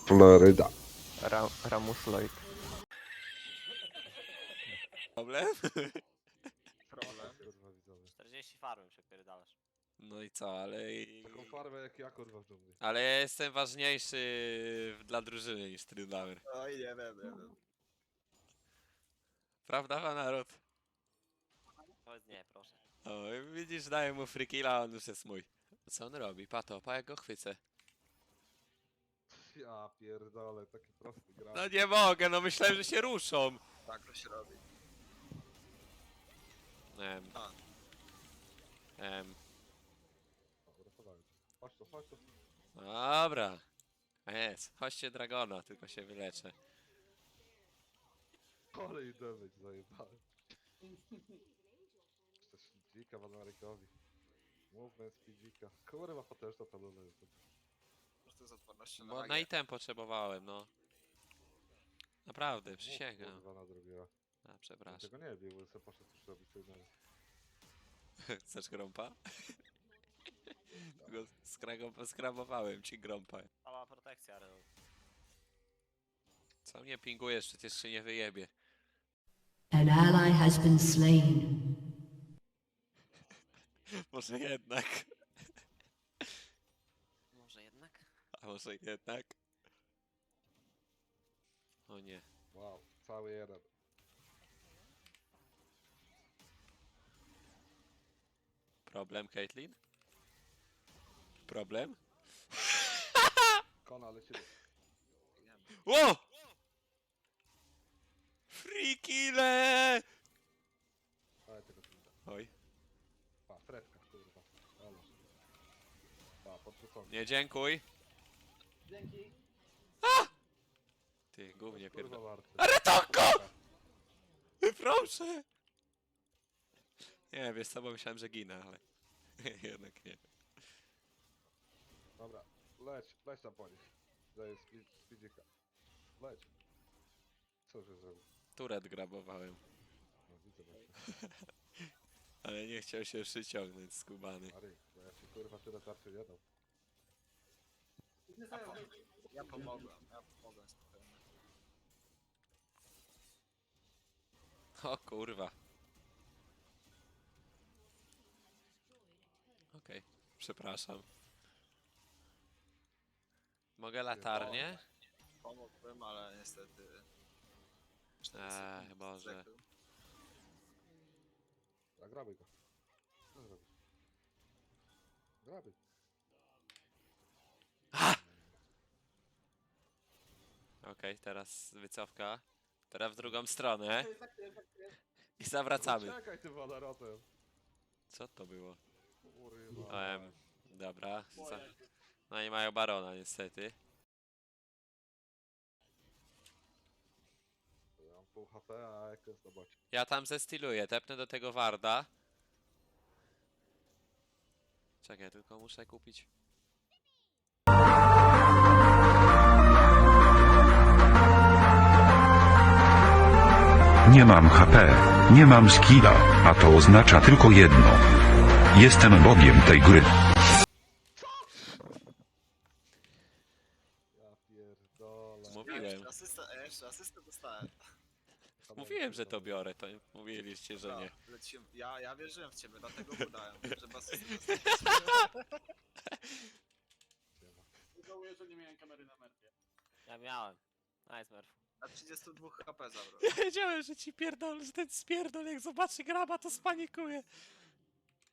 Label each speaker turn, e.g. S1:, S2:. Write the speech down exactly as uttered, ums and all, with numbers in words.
S1: Floryda.
S2: Ra Ramus Lloyd.
S3: Problem?
S4: Problem.
S1: Kurwa widzowie.
S4: czterdzieści farmy przepierdalasz.
S3: No i co, ale...
S1: Taką farmę jak ja kurwa w dżungli.
S3: Ale ja jestem ważniejszy dla drużyny niż Tryndauer.
S4: Oj, nie wiem, nie wiem.
S3: Prawda, pan naród?
S4: Powiedz nie, proszę.
S3: O, widzisz, daję mu free killa, on już jest mój. Co on robi? Pato, pa jak go chwycę.
S1: Ja pierdolę, taki prosty gra.
S3: No nie mogę, no myślałem, że się ruszą.
S4: Tak to się robi.
S3: Em.
S4: A.
S3: Em.
S1: Dobra, podałem ci. Chodź tu, chodź tu.
S3: Dobra. Jest, chodźcie Dragona, tylko się wyleczę.
S1: Ale i damage zajebałem. Też dzika Wanarykowi. Movement speedzika. Kurwa potężna ta lula jest.
S4: Po prostu z odpornością
S3: Bo
S4: na
S3: na item potrzebowałem, no. Naprawdę, przysięgam.
S1: Kurwa nadrobiła.
S3: A, przepraszam.
S1: Tego nie bił, bo sobie poszedł już robić co innego.
S3: Chcesz grąpa? Go skrago- skrabowałem ci grąpa.
S4: Cała protekcja, ale...
S3: Co mnie pingujesz? Przecież się nie wyjebie.
S5: An ally has been slain.
S3: Może jednak.
S4: Może jednak?
S3: A może jednak? O nie.
S1: Wow, cały jeden.
S3: Problem, Caitlyn? Problem?
S1: Kona lecimy.
S3: Ło! Free kille!
S1: Ale tego tu nie da.
S3: Oj,
S1: Pa, fredka, kurwa. Ale. Pa, podrzucony.
S3: nie dziękuj. Dzięki. Ty, gównie
S1: Kurwa
S3: pierdol.
S1: warty.
S3: Retonko! Proszę! Nie, wiesz co, bo myślałem, że ginę, ale jednak nie.
S1: Dobra, leć, leć tam po nich. Daję speed, speedzika. Leć. Co że zrobił?
S3: Turet grabowałem,
S1: No widzę właśnie.
S3: ale nie chciał się przyciągnąć skubany.
S1: Mary, bo ja ci kurwa tyle tarczy nie dam.
S4: Ja pomogłem, ja pomogłem spokojnie.
S3: O kurwa. Okej, przepraszam. Mogę latarnię?
S4: Pomogłem, ale niestety...
S3: Eee, Boże.
S1: A grabuj go. Co zrobisz? Grabuj.
S3: Okej, teraz wycofka. Teraz w drugą stronę. I zawracamy.
S1: Czekaj tym wodorotem.
S3: Co to było?
S1: Kurwa.
S3: Em, dobra. Za... No i mają barona niestety.
S1: Ja mam pół H P, a jak jest zobaczy.
S3: Ja tam zestiluję, tepnę do tego Warda. Czekaj, tylko muszę kupić.
S6: Nie mam H P, nie mam skilla, a to oznacza tylko jedno. Jestem bogiem tej gry.
S1: Ja pierdolę.
S3: Mówiłem.
S4: Jeszcze asystę, e, jeszcze asystę dostałem.
S3: Mówiłem, że to biorę, to mówiliście, że nie.
S4: Dobra, lecimy. Ja, ja wierzyłem w ciebie, dlatego udałem, że was asystę dostałem.
S7: Żałuję, że nie miałem kamery na merpie.
S4: Ja miałem. Nice, Murph. Na trzydzieści dwa H P zabrał.
S3: Ja wiedziałem, że ci pierdol, że ten spierdol jak zobaczy graba, to spanikuje.